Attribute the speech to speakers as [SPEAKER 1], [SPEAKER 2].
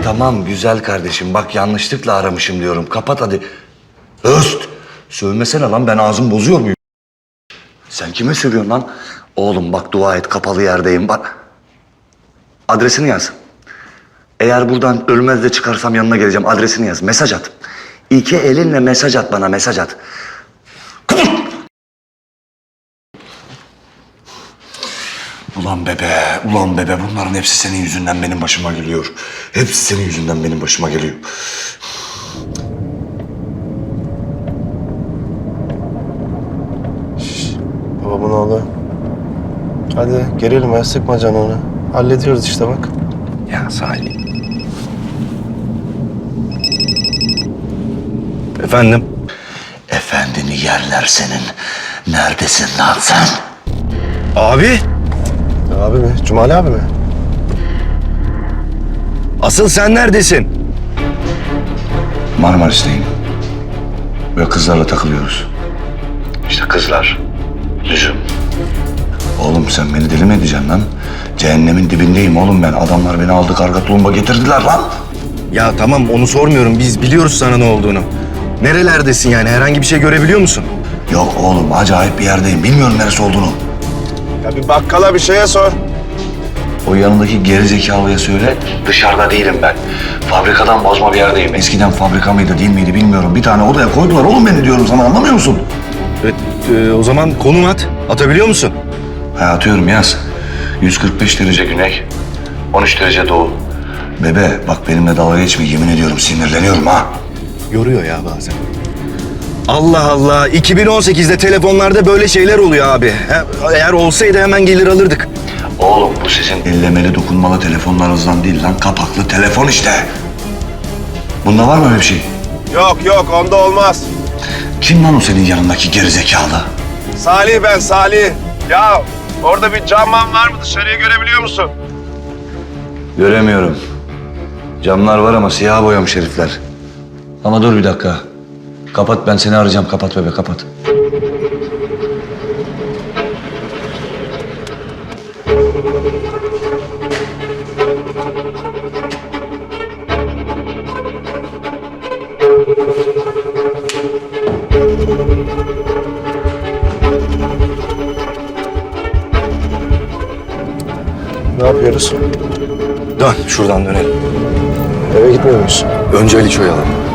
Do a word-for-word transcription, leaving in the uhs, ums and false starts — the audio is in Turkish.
[SPEAKER 1] tamam güzel kardeşim. Bak yanlışlıkla aramışım diyorum. Kapat hadi. Öst! Sövmesene lan, ben ağzımı bozuyor muyum? Sen kime sövüyorsun lan? Oğlum bak, dua et, kapalı yerdeyim bak. Adresini yaz. Eğer buradan ölmez de çıkarsam yanına geleceğim. Adresini yaz. Mesaj at. İki elinle mesaj at bana, mesaj at. Ulan bebe, ulan bebe. Bunların hepsi senin yüzünden benim başıma geliyor. Hepsi senin yüzünden benim başıma geliyor.
[SPEAKER 2] Şş, babamın oğlu. Hadi gerilme, sıkma canını. Hallediyoruz işte bak.
[SPEAKER 1] Ya Salih.
[SPEAKER 2] Efendim?
[SPEAKER 1] Efendini yerler senin. Neredesin lan sen?
[SPEAKER 2] Abi. Abi mi? Cumali abi mi? Asıl sen neredesin?
[SPEAKER 1] Marmaris'teyim. Ve kızlarla takılıyoruz. İşte kızlar. Lüzum. Oğlum sen beni deli mi edeceksin lan? Cehennemin dibindeyim oğlum ben. Adamlar beni aldı, karga tulumba getirdiler lan.
[SPEAKER 2] Ya tamam, onu sormuyorum. Biz biliyoruz sana ne olduğunu. Nerelerdesin yani? Herhangi bir şey görebiliyor musun?
[SPEAKER 1] Yok oğlum, acayip bir yerdeyim. Bilmiyorum neresi olduğunu.
[SPEAKER 2] Ya bir bakkala bir şeye sor.
[SPEAKER 1] O yanındaki gerizekalıya söyle. Dışarıda değilim ben. Fabrikadan bozma bir yerdeyim. Eskiden fabrika mıydı değil miydi bilmiyorum. Bir tane odaya koydular oğlum beni, diyorum sana, anlamıyor musun?
[SPEAKER 2] Evet, e, o zaman konum at. Atabiliyor musun?
[SPEAKER 1] Ha, atıyorum, yaz. yüz kırk beş derece güney, on üç derece doğu. Bebe bak, benimle dalga geçme, yemin ediyorum sinirleniyorum ha.
[SPEAKER 2] Yoruyor ya bazen. Allah Allah. iki bin on sekizde telefonlarda böyle şeyler oluyor abi. He, eğer olsaydı hemen gelir alırdık.
[SPEAKER 1] Oğlum bu sizin ellemeli dokunmalı telefonlarınızdan değil lan, kapaklı telefon işte. Bunda var mı öyle bir şey?
[SPEAKER 3] Yok yok, onda olmaz.
[SPEAKER 1] Kim lan o senin yanındaki gerizekalı?
[SPEAKER 3] Salih ben, Salih. Ya orada bir camman var mı? Dışarıyı görebiliyor musun?
[SPEAKER 1] Göremiyorum. Camlar var ama siyah boyamış herifler. Ama dur bir dakika. Kapat, ben seni arayacağım. Kapat bebe, kapat.
[SPEAKER 2] Ne yapıyoruz? Dön, şuradan dönelim.
[SPEAKER 3] Eve gitmiyor muyuz?
[SPEAKER 2] Önce Ali Çoyalım.